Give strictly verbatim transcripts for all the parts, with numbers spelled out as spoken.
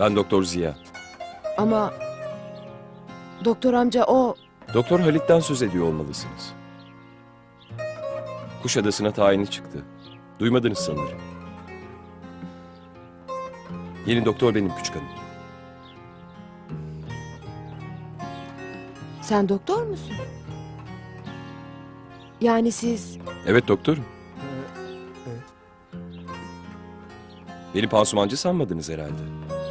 Ben Doktor Ziya. Ama doktor amca o... Doktor Halit'ten söz ediyor olmalısınız. Kuşadası'na tayini çıktı. Duymadınız sanırım. Yeni doktor benim küçük hanım. Sen doktor musun? Yani siz... Evet doktorum. Beni pansumancı sanmadınız herhalde.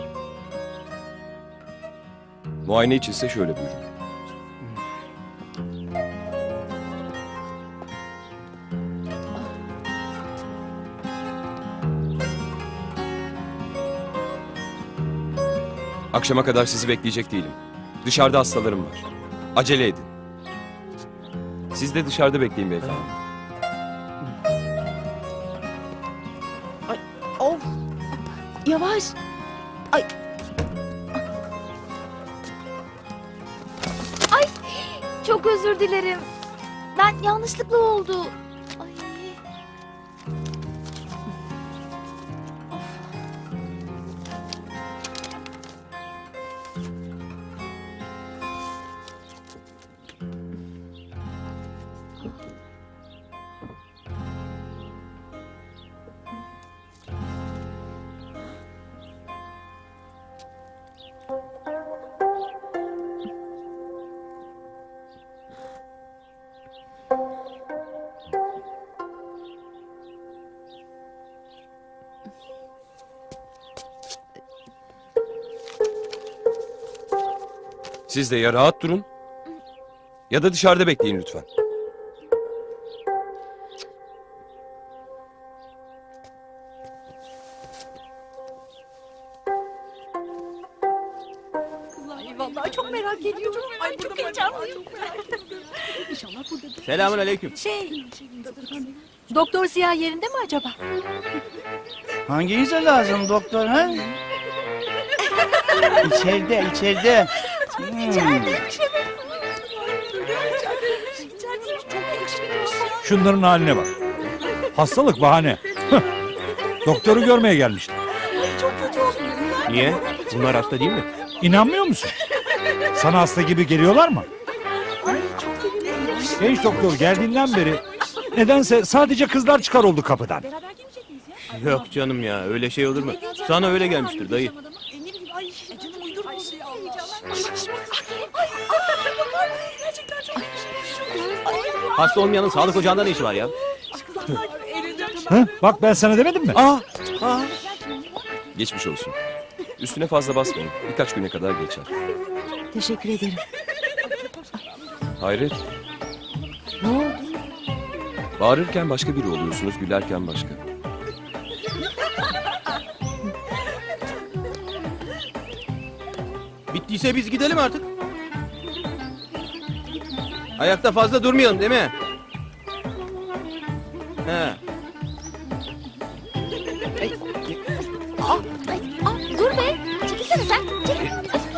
Muayene içinse şöyle buyurun. Akşama kadar sizi bekleyecek değilim. Dışarıda hastalarım var. Acele edin. Siz de dışarıda bekleyin beyefendi. Ay, of! Yavaş! Ay! Ay, çok özür dilerim. Ben yanlışlıkla oldu. Ay. Siz de ya rahat durun ya da dışarıda bekleyin lütfen. Ay vallahi çok merak ediyorum. Ay çok heyecanlıyım. Selamun aleyküm. Şey, Doktor Ziya yerinde mi acaba? Hanginize lazım doktor ha? İçeride, içeride. Hmm. Şunların haline bak. Hastalık bahane. Doktoru görmeye gelmişler. Niye? Bunlar hasta değil mi? İnanmıyor musun? Sana hasta gibi geliyorlar mı? Genç doktor geldiğinden beri nedense sadece kızlar çıkar oldu kapıdan. Yok canım ya, öyle şey olur mu? Sana öyle gelmiştir dayı. Hasta olmayanın sağlık ocağında ne işi var ya? Hı? Bak ben sana demedim mi? Aa, aa. Geçmiş olsun. Üstüne fazla basmayın. Birkaç güne kadar geçer. Teşekkür ederim. Hayret. Ne oldu? Bağırırken başka biri oluyorsunuz, gülerken başka. Bittiyse biz gidelim artık. Ayakta fazla durmayalım değil mi? He. Aa, dur be. Çekilsene sen. Çekil.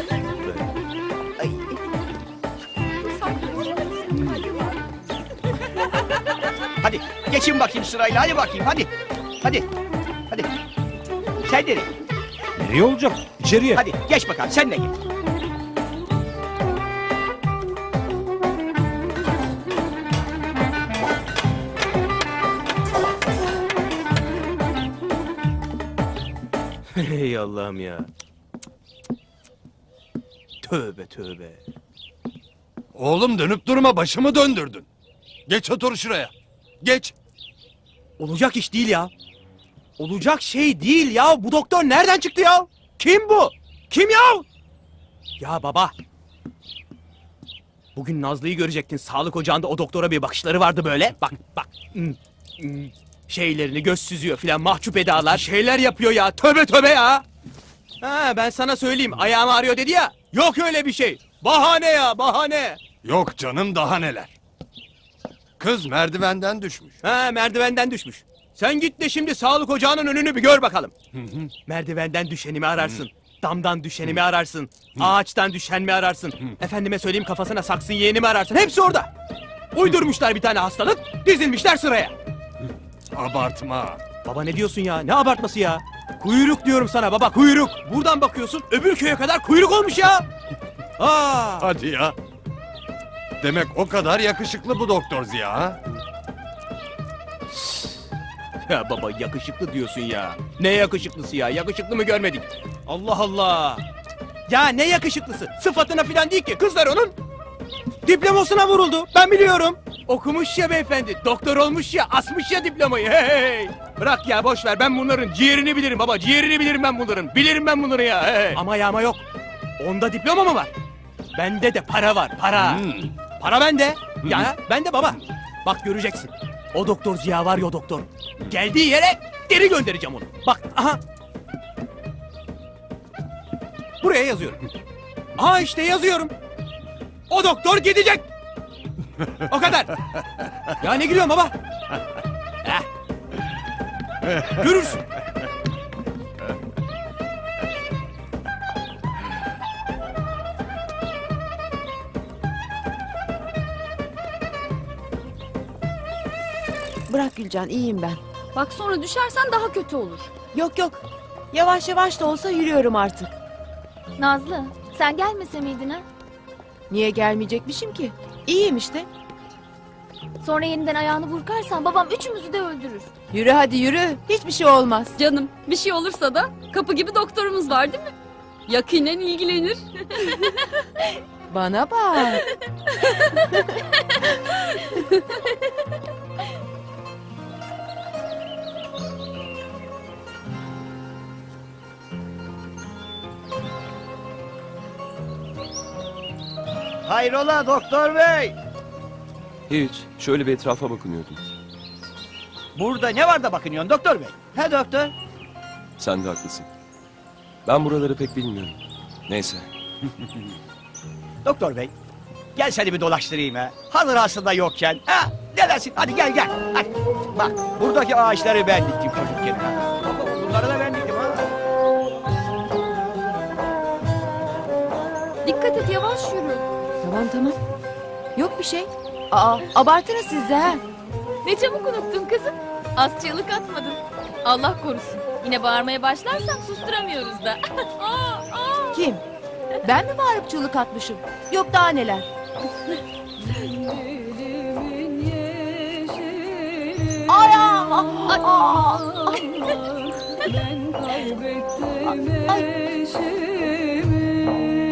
Hadi geçin bakayım sırayla, hadi bakayım, hadi. Hadi, hadi. Sen nereye? Nereye olacak? İçeriye. Hadi geç bakalım, sen de git. Hey Allah'ım ya. Tövbe tövbe. Oğlum dönüp durma, başımı döndürdün. Geç otur şuraya. Geç. Olacak iş değil ya. Olacak şey değil ya. Bu doktor nereden çıktı ya? Kim bu? Kim ya? Ya baba. Bugün Nazlı'yı görecektin. Sağlık ocağında o doktora bir bakışları vardı böyle. Bak bak. Hmm, hmm. Şeylerini göz süzüyor filan, mahcup edalar. Şeyler yapıyor ya. Tövbe tövbe ya. Ha, ben sana söyleyeyim. Ayağım ağrıyor dedi ya. Yok öyle bir şey. Bahane ya, bahane. Yok canım, daha neler. Kız merdivenden düşmüş. Ha, merdivenden düşmüş. Sen git de şimdi sağlık ocağının önünü bir gör bakalım. Merdivenden düşeni mi ararsın? Damdan düşeni mi ararsın? Ağaçtan düşen mi ararsın? Efendime söyleyeyim, kafasına saksı yeğeni mi ararsın? Hepsi orada. Uydurmuşlar bir tane hastalık, dizilmişler sıraya. Abartma. Baba ne diyorsun ya? Ne abartması ya? Kuyruk diyorum sana baba, kuyruk. Buradan bakıyorsun, öbür köye kadar kuyruk olmuş ya. Aa! Hadi ya. Demek o kadar yakışıklı bu doktor Ziya ha? Ya baba yakışıklı diyorsun ya. Ne yakışıklısı ya? Yakışıklı mı görmedik? Allah Allah. Ya ne yakışıklısı? Sıfatına falan değil ki. Kızlar onun diplomasına vuruldu. Ben biliyorum. Okumuş ya beyefendi. Doktor olmuş ya. Asmış ya diplomayı. Hey, hey. Bırak ya boş ver. Ben bunların ciğerini bilirim baba. Ciğerini bilirim ben bunların. Bilirim ben bunları ya. Hey. Ama ya ama yok. Onda diploma mı var? Bende de para var. Para. Hmm. Para bende. Ya bende baba. Bak göreceksin. O doktor Ziya var ya o doktor. Geldiği yere geri göndereceğim onu. Bak aha. Buraya yazıyorum. Aha işte yazıyorum. O doktor gidecek. O kadar. Ya ne gülüyorsun baba? Heh. Görürsün. Bırak Gülcan, iyiyim ben. Bak sonra düşersen daha kötü olur. Yok yok. Yavaş yavaş da olsa yürüyorum artık. Nazlı sen gelmese miydin ha? Niye gelmeyecekmişim ki? İyiyim işte. Sonra yeniden ayağını burkarsan babam üçümüzü de öldürür. Yürü hadi yürü. Hiçbir şey olmaz. Canım bir şey olursa da kapı gibi doktorumuz var değil mi? Yakinen ilgilenir. Bana bak. Hayrola doktor bey? Hiç. Şöyle bir etrafa bakınıyordum. Burada ne var da bakınıyorsun doktor bey? He doktor? Sen de haklısın. Ben buraları pek bilmiyorum. Neyse. Doktor bey. Gel seni bir dolaştırayım ha. Hazır aslında yokken. Ha? Ne dersin? Hadi gel gel. Hadi. Bak buradaki ağaçları ben diktim çocukken. Ha. Baba, bunları da ben diktim ha. Dikkat et yavaş yürü. Tamam tamam. Yok bir şey. Aa, abartınız siz de ha. Ne çabuk unuttun kızım. Az çığlık atmadın. Allah korusun. Yine bağırmaya başlarsak susturamıyoruz da. Aa, aa. Kim? Ben mi bağırıp çığlık atmışım? Yok daha neler. Ay, aa, ay, aa, ay. Ben kaybettim Ay. eşimi.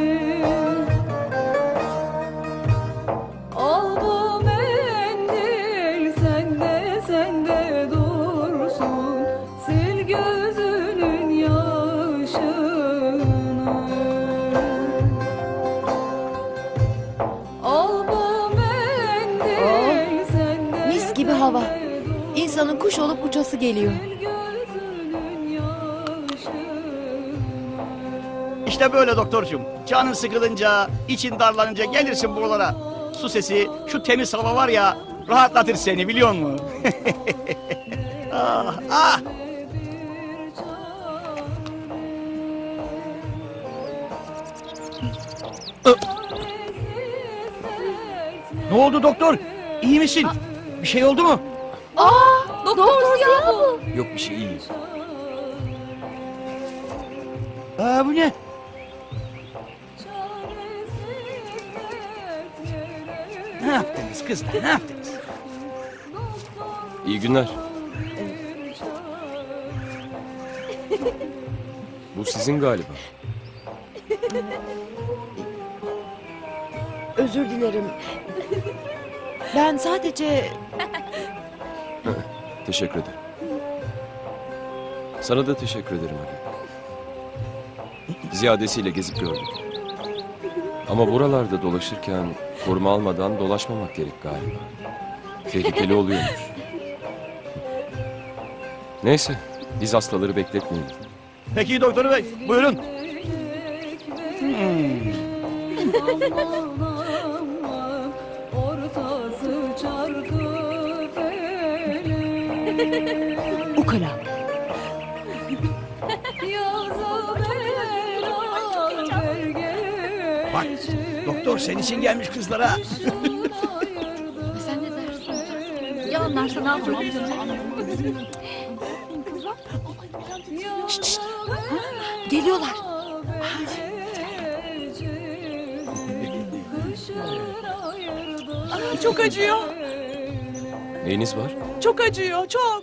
Al bu mendil sende sende dursun. Sil gözünün yaşını. Al bu mendil sende Mis gibi hava. sende İnsanın kuş olup uçası geliyor. İşte böyle doktorcuğum. Canın sıkılınca, için darlanınca gelirsin buralara. Su sesi, şu temiz hava var ya, rahatlatır seni biliyor musun? ah, ah. Ne oldu doktor? İyi misin? Bir şey oldu mu? Doktor Ziya bu. Yok bir şey iyi. Aa, bu ne? Ne yaptınız kızlar, ne yaptınız? İyi günler. Bu sizin galiba. Özür dilerim. Ben sadece... Teşekkür ederim. Sana da teşekkür ederim abi. Ziyadesiyle gezip gördüm. Ama buralarda dolaşırken koruma almadan dolaşmamak gerek galiba. Tehlikeli oluyormuş. Neyse, biz hastaları bekletmeyelim. Peki doktor bey, buyurun. Ortası çarkı felek. Ukala. Yaza beraber geç. Bak, doktor senin için gelmiş kızlara. Sen ne dersin? Ya anlarsa ne yapacağım? Şşt, şşt. Geliyorlar. Çok acıyor. Neyiniz var? Çok acıyor. Çok.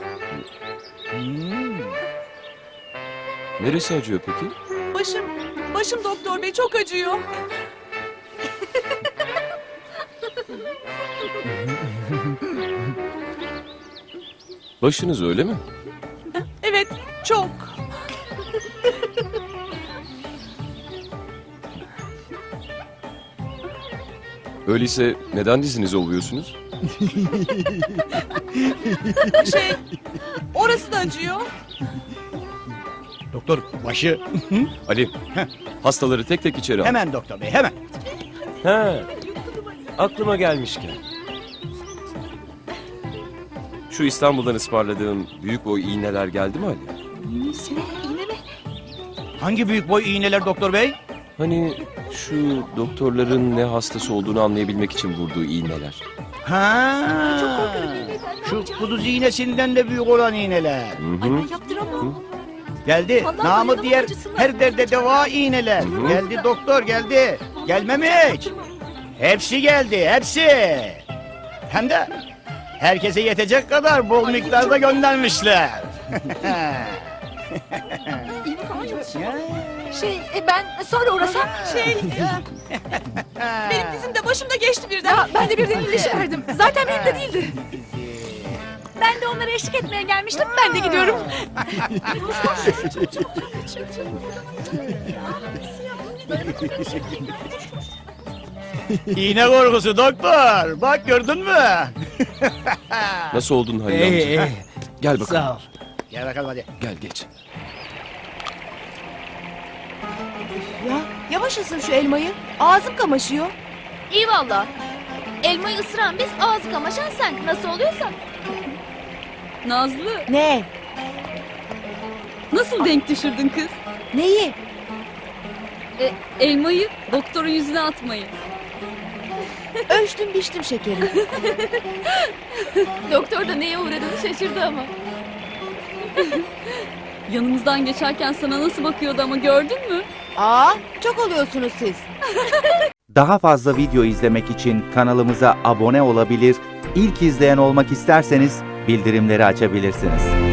Neresi acıyor peki? Başım. Başım doktor bey çok acıyor. Başınız öyle mi? Evet. Çok. Öyleyse neden dizinizi ovuyorsunuz? Şey. Orası da acıyor. Doktor başı. Ali, hastaları tek tek içeri al. Hemen doktor bey hemen. He, aklıma gelmişken. Şu İstanbul'dan ısmarladığım büyük boy iğneler geldi mi Ali? Hangi büyük boy iğneler doktor bey? Hani şu doktorların ne hastası olduğunu anlayabilmek için vurduğu iğneler. Ha. Şu kuduz iğnesinden de büyük olan iğneler. Hı hı. Yaptıramam. Geldi. Vallahi Namı dayanamam, diğer acısı var. her derde deva iğneler. Hı. Geldi doktor geldi. Gelmemiş. Hepsi geldi hepsi. Hem de herkese yetecek kadar bol miktarda göndermişler. Şey e, ben sonra uğrasam. Şey. Benim dizim de başım da geçti birden. Ya, ben de birden iyileşiverdim. Zaten benim de değildi. Ben de onlara eşlik etmeye gelmiştim. Ben de gidiyorum. İğne korkusu doktor. Bak gördün mü? Nasıl oldun Halil amca? Gel bakalım. Sağ ol. Gel bakalım hadi. Gel geç. Ya yavaş ısır şu elmayı. Ağzım kamaşıyor. İyi valla. Elmayı ısıran biz, ağzı kamaşan sen. Nasıl oluyorsa. Nazlı, Ne? nasıl denk düşürdün kız? Neyi? E, elmayı doktorun yüzüne atmayı. Ölçtüm biçtim şekeri. Doktor da neye uğradığını şaşırdı ama. Yanımızdan geçerken sana nasıl bakıyordu ama gördün mü? Aa, çok oluyorsunuz siz. Daha fazla video izlemek için kanalımıza abone olabilir, ilk izleyen olmak isterseniz bildirimleri açabilirsiniz.